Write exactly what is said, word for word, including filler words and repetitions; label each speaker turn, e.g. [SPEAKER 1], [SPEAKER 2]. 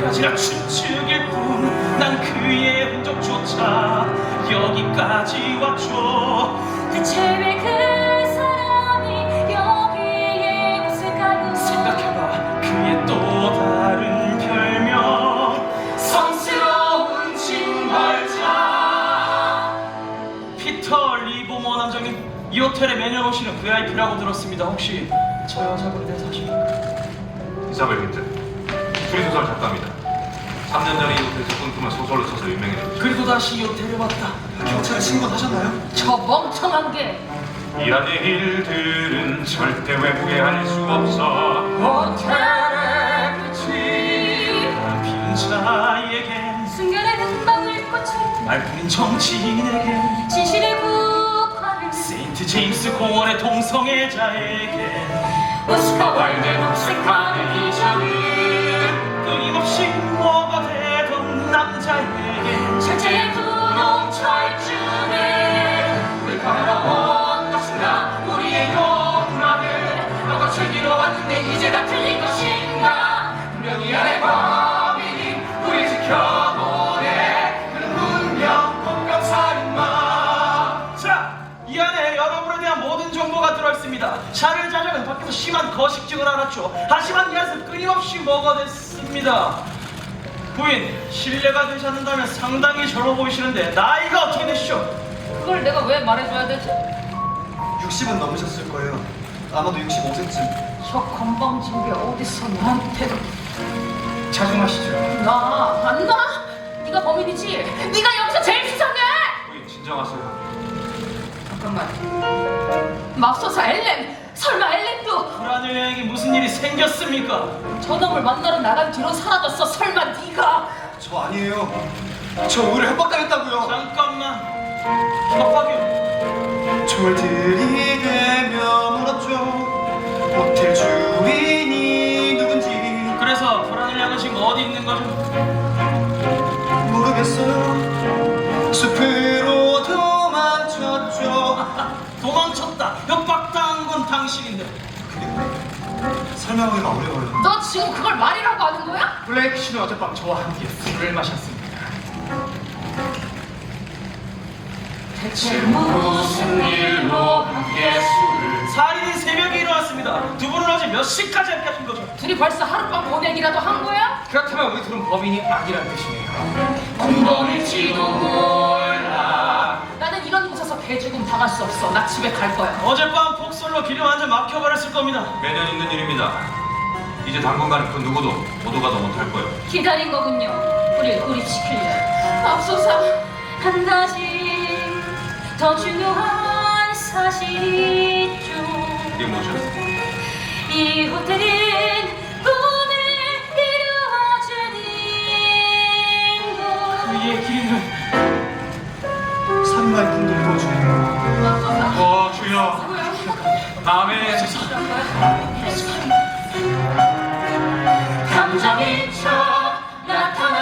[SPEAKER 1] 언제까지나 추측일 뿐 난 그의 흔적조차 여기까지 왔죠.
[SPEAKER 2] 대체 왜 그 사람이 여기에 왔을까요?
[SPEAKER 1] 생각해봐 그의 또 다른 별명 성스러운 징벌자. 피터 리보머 남장님, 이 호텔에 매년 오시는 브이아이피라고 들었습니다. 혹시 저 여자분에 대해서 아십니까?
[SPEAKER 3] 이사벨 힌트, 추리소설 작가입니다. 삼 년 전에 이 호텔에서 꿈꾸면 소설로 써서 유명해졌죠.
[SPEAKER 1] 그리고 다시 이 호텔에 왔다.
[SPEAKER 4] 경찰에 신고하셨나요?
[SPEAKER 2] 저 멍청한 게
[SPEAKER 3] 이런 일들은 절대 외부에 알 수 없어.
[SPEAKER 2] 호텔의 끝이
[SPEAKER 1] 빈자에겐
[SPEAKER 2] 순간의 금방울 꽃을
[SPEAKER 1] 말뿐인 정치인에겐
[SPEAKER 2] 진실의 국화를
[SPEAKER 1] 세인트 제임스 공원의 동성애자에겐
[SPEAKER 2] 오스카 월드 녹색하늘 이전을
[SPEAKER 1] 끊임없이 뭐가 되던 남자에겐
[SPEAKER 2] 철제의 분홍 철쭉을
[SPEAKER 1] 우리 바라온 것인가 우리의 욕망을 너가 즐기러 왔는데 이제 다 틀린 것인가. 분명히 안에 범인이 우리 지켜보네. 그는 분명 폭력살인마. 자, 이 안에 여러분에 대한 모든 정보가 들어있습니다. 샤를 자장은 밖에서 심한 거식증을 알았죠. 하지만 이 안에서 끊임없이 먹어댔습니다. 부인, 실례가 되지 않는다면 상당히 젊어 보이시는데 나이가 어떻게 되시죠?
[SPEAKER 2] 그걸 내가 왜 말해줘야 되지?
[SPEAKER 4] 육십은 넘으셨을 거예요. 아마도 육십오 세쯤.
[SPEAKER 2] 저 건방진 게 어디서 나한테
[SPEAKER 1] 자중하시죠.
[SPEAKER 2] 나 안 나? 네가 범인이지? 네가 여기서 제일 수상해!
[SPEAKER 3] 부인 진정하세요.
[SPEAKER 2] 잠깐만 맙소사 엘렌! 설마 엘렌도
[SPEAKER 1] 불안의 여행이 무슨 일이 생겼습니까?
[SPEAKER 2] 저놈을 만나러 나간 뒤로 사라졌어. 설마 네가
[SPEAKER 4] 저 아니에요. 저 오히려 협박당했다고요.
[SPEAKER 1] 잠깐만. 협박이요?
[SPEAKER 4] 총을 들이대며 물었죠. 호텔 주인이 누군지
[SPEAKER 1] 그래서 불안을 향은 지금 어디 있는 거죠?
[SPEAKER 4] 모르겠어요. 숲으로 도망쳤죠.
[SPEAKER 1] 도망쳤다. 협박당한 건 당신인데.
[SPEAKER 4] 그리고 설명하기가 어려워요.
[SPEAKER 2] 너 지금 그걸 말이라고 하는 거야?
[SPEAKER 1] 블레이크 씨는 어젯밤 저와 함께 술을 마셨습니다.
[SPEAKER 2] 대체 무슨 일로 함께 술을
[SPEAKER 1] 살인이 새벽에 일어났습니다. 두 분은 어제 몇 시까지 함께 하신 거죠?
[SPEAKER 2] 둘이 벌써 하룻밤 보내기라도 한 거야?
[SPEAKER 1] 그렇다면 우리 둘은 범인이 아니란 뜻이네요.
[SPEAKER 2] 공범일지도 몰라. 나는 이런 곳에서 개죽음 당할 수 없어. 나 집에 갈 거야.
[SPEAKER 1] 어젯밤 폭설로 길이 완전 막혀버렸을 겁니다.
[SPEAKER 3] 매년 있는 일입니다. 이제 당분간 그 누구도 모두가도 못할 거예요.
[SPEAKER 2] 기다린 거군요. 우리 우리 지킬래. 앞서서 한 가지 더 중요한 사실이 있죠.
[SPEAKER 3] 이게 뭐죠?
[SPEAKER 2] 이 호텔은 꿈을 이루어주는 곳.
[SPEAKER 1] 그의 길이는
[SPEAKER 4] 살인마의 꿈도 이루어주네요.
[SPEAKER 3] 어 주여. 다음에
[SPEAKER 2] 감정인 척 나타나